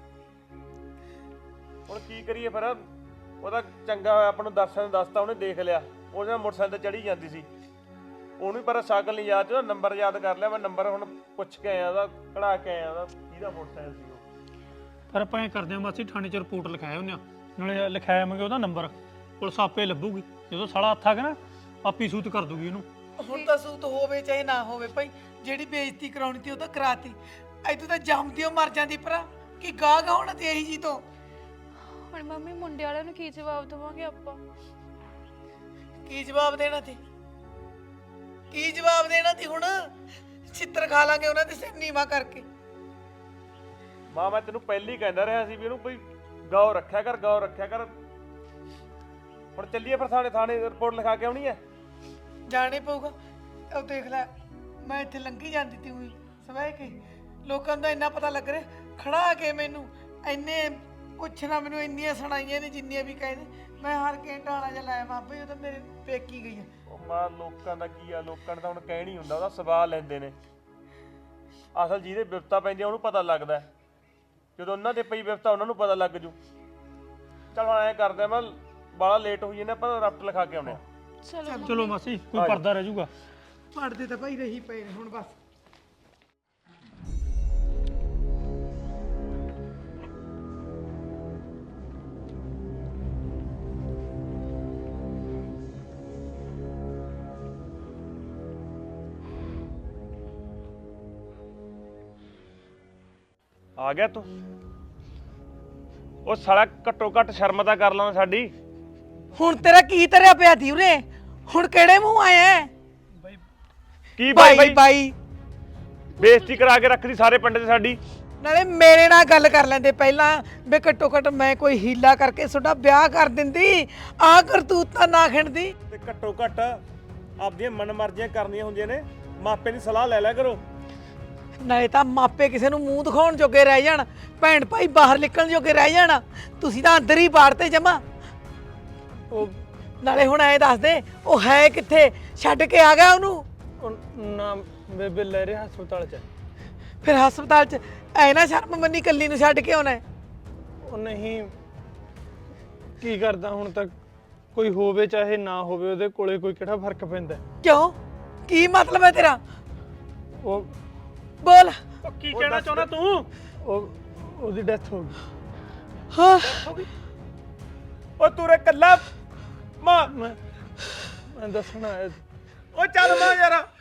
ਹੁਣ ਕੀ ਕਰੀਏ ਫਿਰ? ਉਹਦਾ ਚੰਗਾ ਹੋਇਆ ਆਪਾਂ ਨੂੰ ਦਰਸ਼ਨ ਦੱਸਤਾ, ਉਹਨੇ ਦੇਖ ਲਿਆ। ਉਹਦੇ ਨਾਲ ਮੋਟਰਸਾਈਕਲ ਤੇ ਚੜੀ ਜਾਂਦੀ ਸੀ, ਉਹਨੂੰ ਪਰ ਸਾਈਕਲ ਨਹੀਂ ਯਾਦ, ਉਹਦਾ ਨੰਬਰ ਯਾਦ ਕਰ ਲਿਆ ਮੈਂ। ਨੰਬਰ ਹੁਣ ਪੁੱਛ ਕੇ ਆਇਆ ਉਹਦਾ, ਕਢਾ ਕੇ ਆਇਆ ਉਹਦਾ, ਕਿਹਦਾ ਮੋਟਰਸਾਈਕਲ ਸੀ ਉਹ।
ਪਰ ਆਪਾਂ ਐਂ ਕਰਦੇ ਹਾਂ ਮਾਸੀ, ਥਾਣੇ 'ਚ ਰਿਪੋਰਟ ਲਿਖਾਇਆ ਉਹਨੇ, ਨਾਲੇ ਲਿਖਾਇਆਵਾਂਗੇ ਉਹਦਾ ਨੰਬਰ, ਪੁਲਿਸ ਆਪੇ ਲੱਭੂਗੀ। ਜਦੋਂ ਸਾਲਾ ਹੱਥ ਆ ਗਿਆ ਨਾ, ਆਪੀ ਸੂਤ ਕਰ ਦੂਗੀ ਇਹਨੂੰ।
ਹੁਣ ਤਾਂ ਸੂਤ ਹੋਵੇ ਚਾਹੇ ਨਾ ਹੋਵੇ ਭਾਈ, ਜਿਹੜੀ ਬੇਇੱਜ਼ਤੀ ਕਰਾਉਣੀ ਤੀ ਉਹ ਤਾਂ ਕਰਾਤੀ। ਐਤੋਂ ਤਾਂ ਜੰਮਦੀ ਉਹ ਮਰ ਜਾਂਦੀ ਭਰਾ, ਕਿ ਗਾਹ ਗਾਹ ਹੋਣਾ ਤੇ ਇਹੀ ਜੀ ਤੋਂ।
ਹੁਣ ਮੰਮੀ ਮੁੰਡੇ ਵਾਲਿਆਂ ਨੂੰ ਕੀ ਜਵਾਬ ਦੇਵਾਂਗੇ ਆਪਾਂ?
ਕੀ ਜਵਾਬ ਦੇਣਾ ਤੀ? ਕੀ ਜਵਾਬ ਦੇਣਾ ਤੀ ਹੁਣ? ਛਿੱਤਰ ਖਾ ਲਾਂਗੇ ਉਹਨਾਂ ਦੇ ਸਿਰ ਨੀਵਾ ਕਰਕੇ।
ਮਾਂ ਮੈਂ ਤੈਨੂੰ ਪਹਿਲੀ ਕਹਿੰਦਾ ਰਿਹਾ ਸੀ ਵੀ ਇਹਨੂੰ ਕੋਈ ਗੌਰ ਰੱਖਿਆ ਕਰ, ਗੌਰ ਰੱਖਿਆ ਕਰ। ਹੁਣ ਚੱਲੀਏ ਫਿਰ ਥਾਣੇ, ਥਾਣੇ ਰਿਪੋਰਟ ਲਿਖਾ ਕੇ ਆਉਣੀ ਹੈ।
ਜਾਣੇ ਪਊਗਾ। ਉਹ ਦੇਖ ਲੈ, ਮੈਂ ਇੱਥੇ ਲੰਘੀ ਜਾਂਦੀ ਤੀ ਹੋਈ ਸਵੇਰ ਕੇ, ਲੋਕਾਂ ਦਾ ਇੰਨਾ ਪਤਾ ਲੱਗ ਰਿਹਾ, ਖੜਾ ਕੇ ਮੈਨੂੰ ਇੰਨੇ ਪੁੱਛਣਾ, ਮੈਨੂੰ ਇੰਨੀਆਂ ਸੁਣਾਈਆਂ ਨੇ ਜਿੰਨੀਆਂ ਵੀ ਕਹਿੰਦੇ। ਮੈਂ ਹਰ ਘੰਟਾ ਆਣਾ ਜਾਂ ਲਾਇਆ ਮਾਪੇ, ਉਹ ਤਾਂ ਮੇਰੇ ਪੇਕੀ ਗਈ ਹੈ।
ਉਹ ਮਾਂ ਲੋਕਾਂ ਦਾ ਕੀ ਆ, ਲੋਕਾਂ ਨੇ ਤਾਂ ਹੁਣ ਕਹਿ ਨਹੀਂ ਹੁੰਦਾ, ਉਹਦਾ ਸਵਾਲ ਲੈਂਦੇ ਨੇ। ਅਸਲ ਜਿਹਦੇ ਵਿਪਤਾ ਪੈਂਦੀ ਆ ਉਹਨੂੰ ਪਤਾ ਲੱਗਦਾ, ਜਦੋਂ ਉਹਨਾਂ ਤੇ ਪਈ ਵਿਪਤਾ ਉਹਨਾਂ ਨੂੰ ਪਤਾ ਲੱਗ ਜੂ। ਚਲ ਹੁਣ ਐਂ ਕਰਦੇ ਆ, ਮੈਂ ਬਾਲਾ ਲੇਟ ਹੋਈ ਜਾਂਦਾ, ਆਪਾਂ ਰਫਟ ਲਿਖਾ ਕੇ ਆਉਣੇ ਆ।
ਚਲੋ
ਚਲੋ ਮਾਸੀ, ਕੋਈ ਪਰਦਾ ਰਹਿ ਜਾਊਗਾ।
ਪੜਦੇ ਤਾਂ ਭਾਈ ਰਹੀ ਪਏ ਨੇ ਹੁਣ ਬਸ।
ਆ ਗਿਆ ਤੂੰ? ਉਹ ਸਾਲਾ ਘੱਟੋ ਘੱਟ ਸ਼ਰਮ ਤਾਂ ਕਰ ਲਾਂ ਸਾਡੀ।
ਹੁਣ ਤੇਰਾ ਕੀ ਤਰਿਆ ਪਿਆ ਦੀ ਉਰੇ? ਹੁਣ ਕਿਹੜੇ ਮੂੰਹ ਆਇਆ?
ਕੀ ਬਾਈ
ਬਾਈ
ਬਾਈ
ਬਾਈ
ਬੇਇੱਜ਼ਤੀ ਕਰਾ ਕੇ ਰੱਖਦੀ ਸਾਰੇ ਪਿੰਡ 'ਚ ਸਾਡੀ।
ਨਾਲੇ ਮੇਰੇ ਨਾਲ ਗੱਲ ਕਰ ਲੈਂਦੇ ਪਹਿਲਾਂ, ਵੀ ਘੱਟੋ ਘੱਟ ਮੈਂ ਕੋਈ ਹੀਲਾ ਕਰਕੇ ਤੁਹਾਡਾ ਵਿਆਹ ਕਰ ਦਿੰਦੀ। ਆਹ ਕਰਤੂਤਾਂ ਨਾ ਖਿੰਡਦੀ।
ਤੇ ਘੱਟੋ ਘੱਟ ਆਪਦੀਆਂ ਮਨਮਰਜ਼ੀਆਂ ਕਰਨੀਆਂ ਹੁੰਦੀਆਂ ਨੇ, ਮਾਪੇ ਦੀ ਸਲਾਹ ਲੈ ਲਿਆ ਕਰੋ।
ਨਾਲੇ ਤਾਂ ਮਾਪੇ ਕਿਸੇ ਨੂੰ ਮੂੰਹ ਦਿਖਾਉਣ ਜੋਗੇ ਰਹਿ ਜਾਣ, ਭੈਣ ਭਾਈ ਬਾਹਰ ਨਿਕਲਣ ਜੋਗੇ ਰਹਿ ਜਾਣ, ਤੁਸੀਂ ਤਾਂ ਅੰਦਰ ਹੀ ਬਾੜਤੇ ਜਮਾ। ਉਹ ਨਾਲੇ ਹੁਣ ਐ ਦੱਸ ਦੇ, ਉਹ ਹੈ ਕਿੱਥੇ? ਛੱਡ ਕੇ ਆ ਗਿਆ ਉਹਨੂੰ?
ਨਾ ਬੇਬੇ ਲੈ ਰਿਹਾ ਹਸਪਤਾਲ 'ਚ।
ਫਿਰ ਹਸਪਤਾਲ 'ਚ ਐ ਨਾ ਸ਼ਰਮ ਮੰਨੀ ਕੱਲੀ ਨੂੰ ਛੱਡ ਕੇ ਆਉਣਾ?
ਉਹ ਨਹੀਂ, ਕੀ ਕਰਦਾ ਹੁਣ ਤੱਕ, ਕੋਈ ਹੋਵੇ ਚਾਹੇ ਨਾ ਹੋਵੇ, ਉਹਦੇ ਕੋਲੇ ਕੋਈ ਕਿਹੜਾ ਫਰਕ ਪੈਂਦਾ?
ਕਿਉਂ? ਕੀ ਮਤਲਬ ਹੈ ਤੇਰਾ?
ਉਹ
ਬੋਲ।
ਉਹ ਕੀ ਕਹਿਣਾ ਚਾਹੁੰਦਾ ਤੂੰ? ਉਹ ਉਹਦੀ ਡੈਥ ਹੋ ਗਈ।
ਹਾਂ
ਉਹ ਤੂੰ ਰੇ ਕੱਲਾ ਮਾਂ,
ਮੈਂ ਮੈਂ ਦੱਸਣਾ ਆਇਆ ਸੀ।
ਉਹ ਚੱਲ ਮਾਂ ਯਾਰ।